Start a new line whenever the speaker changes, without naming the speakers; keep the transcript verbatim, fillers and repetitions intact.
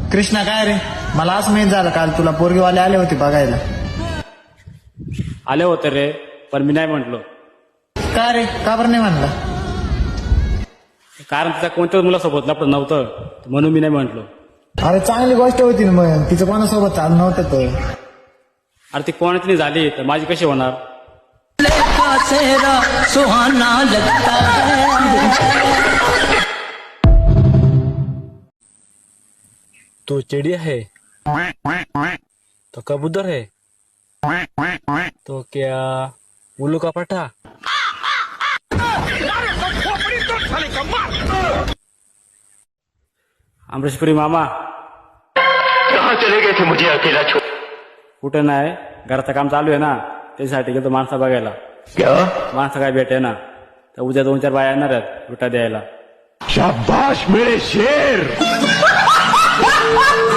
कृष्णा काय रे, मला असं माहित झालं काल तुला पोरगीवाले आले होते बघायला.
आले होते रे, पण मी नाही म्हटलो.
काय रे, का बरं नाही म्हणला?
कारण तिचा कोणत्याच मुलासोबत लपड नव्हतं, म्हणून मी नाही म्हटलो.
अरे चांगली गोष्ट होती ना मग, तिचं कोणासोबत चालू नव्हतं तर.
अरे ती कोणाची नाही झाली तर माझी कशी होणार?
सुहाना लगता है.
तो चिड़िया है, तो कबूतर है, तो क्या उल्लू का पट्टा?
अमरीशपुरी मामा
कहाँ चले गए थे मुझे अकेला छोड़?
कुठे नाही, घराचं काम चालू आहे ना, त्याच्यासाठी गेलो माणसं बघायला.
क्या?
माणसं काय भेटे ना, तर उद्या दोन चार बाया येणार आहेत विटा द्यायला.
शाबाश मेरे शेर.